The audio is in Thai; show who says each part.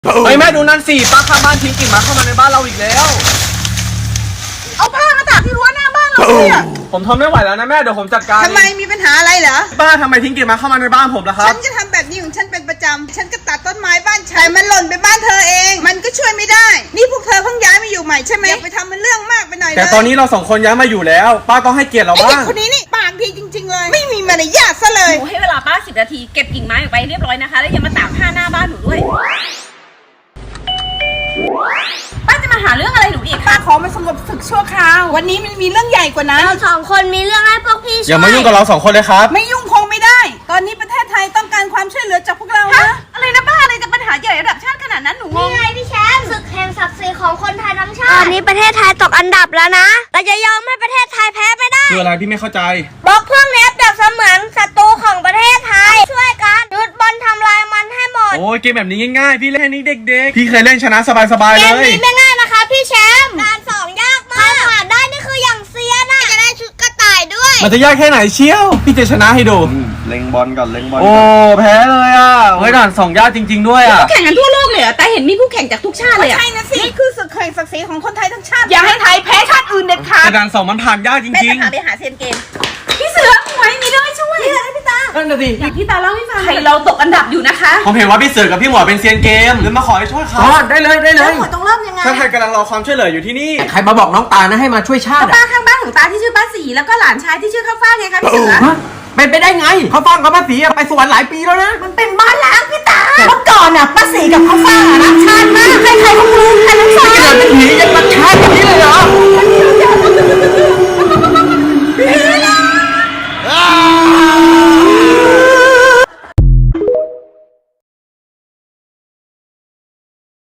Speaker 1: เฮ้ยแม่ดูนั่นสิป้าข้างบ้านทิ้งกิ่งไม้เข้ามาในบ้านเราอีกแล้ว
Speaker 2: เอาผ้ามาตากที่รั้วหน้าบ้านเราเนี่ย
Speaker 1: ผมทนไม่ไหวแล้วนะแม่เดี๋ยวผมจัดการ
Speaker 2: ทำไมมีปัญหาอะไรเหรอ
Speaker 1: ป้าทำไมทิ้งกิ่งไม้เข้ามาในบ้านผมล่ะครั
Speaker 2: ฉั
Speaker 1: บ
Speaker 2: นจะทำแบบนี้ของฉันเป็นประจำฉันก็ตัดต้นไม้บ้านฉันแต่มันหล่นไปบ้านเธอเอง มันก็ช่วยไม่ได้ นี่พวกเธอเพิ่งย้ายมาอยู่ใหม่ใช่ไหมอย่าไปทำมันเรื่องมากไปหน่อยเลย
Speaker 1: แต่ตอนนี้เราสองคนย้ายมาอยู่แล้ว ป้าต้องให้เกียรติเรา
Speaker 2: ไอ้
Speaker 1: บ้า
Speaker 2: เด็ก
Speaker 1: ง
Speaker 2: คนนี้นี่ปากดีจริง ๆ เลย ไม่มีมารยาทซะเลย
Speaker 3: หนูให้เวลาป้า10 นาทีเก็บกิ่งไม้ออกไปเรียบร้อยนะคะ แล้วอย่ามาตากผ้าหน้าบ้านหนูด้วย ป้าจะมาหาเรื่องอะไรหนูอีก
Speaker 2: ป้า
Speaker 3: คะ
Speaker 2: ขอมาสงบศึกชั่วคราว วันนี้มันมีเรื่องใหญ่กว่านั้น
Speaker 4: เราสองคนมีเรื่องให้พวกพี่ช่วย
Speaker 1: อย่ามายุ่งกับเราสองคนเลยครับ
Speaker 2: ไม่ยุ่งคงไม่ได้ ตอนนี้ประเทศไทยต้องการความช่วยเหลือจากพวกเรานะ
Speaker 3: อะไรนะป้าอะไรจะปัญหาใหญ่ระดับชาติขนาดนั้นหนูง
Speaker 4: นี่
Speaker 3: ง
Speaker 4: ไงพี่แชมป์ศึกแห่งศักดิ์ศรีของคนไทยทั้งชาติ ตอนนี้ประเทศไทยตกอันดับแล้วนะ เราจะยอมให้ประเทศไทยแพ้ไม่ได้
Speaker 1: คืออะไรพี่ไม่เข้าใจ
Speaker 4: บล็อกพวกนี้เปรียบเสมือนศัตรูของประเทศไทย ช่วยกันหยุดบอลทำลายมันให้หมด
Speaker 1: โอ้ยเกมแบบนี้ง่ายๆ พี่เล่นให้นี้เด็กๆ พี่เคยเล่นชนะสบายๆ
Speaker 4: เก
Speaker 1: เล
Speaker 4: ม
Speaker 1: ย
Speaker 4: นี้ไม่ง่ายนะคะพี่แชมป์การสองยากมากใครผ่านได้นี่คืออย่างเซียนอะจะได้ชุดกระต่ายด้วย
Speaker 1: มันจะยากแค่ไหนเชียว พี่จะชนะให้ดู
Speaker 5: เล็งบอลก่อนเล็งบอล
Speaker 1: โอ้แพ้เลยอ่ะเฮ้ยด่านสองยากจริง ๆด้วยอ่ะ
Speaker 3: แข่งกันทั่วโลกเลยเหรอแต่เห็นมีผู้แข่งจากทุกชาติเลยอะ
Speaker 2: ใช่นะสิ นี่คือศึกแห่งศักดิ์ศรีของคนไทยทั้งชาติ
Speaker 3: อย่าให้ไทยแพ้ชาติอื่นเด็ดขาด
Speaker 1: แต่ด่านสองมันผ่านยากจ
Speaker 3: แม่
Speaker 1: ริ
Speaker 3: จะ
Speaker 1: ง
Speaker 3: พาไปหาเซียนเกมพี่เสือหวยมีเรื่องให้ช่วย
Speaker 2: พี่ตา
Speaker 1: ๆนั่นน่ะสิ
Speaker 3: อยากพี่ตาเล่าให้ฟังไทยเราตกอันดับอยู่นะคะ
Speaker 1: ผมเห็นว่าพี่เสือกับพี่หมอเป็นเซียนเกมเลยมาขอให้ช่วยเขาได้เลย
Speaker 2: แล้วหมดต้องเริ่มยังไง
Speaker 1: ชาติไทยกำลังรอความช่วยเหลืออยู่ที่นี่
Speaker 6: ใครมาบอกน้องตาลนะให้มาช่วยชาติ
Speaker 3: ป้า
Speaker 6: อ่ะ
Speaker 3: ข้างบ้านของตาที่ชื่อป้าสีแล้วก็หลานชายที่ชื่อข้าวฟ่างไงคะพี่เสือ
Speaker 6: ฮะเป็นไปได้ไงเขาฟังกับภาษีอะไปสวรรค์หลายปีแล้วนะ
Speaker 2: มันเป็นบ้านล้างพี่ตาเมื่อก่อนน่ะป้าสีกับข้าวฟ่างรักชาติมากใครๆก็รู้กันทั้งสอง
Speaker 6: เป็นผียังไง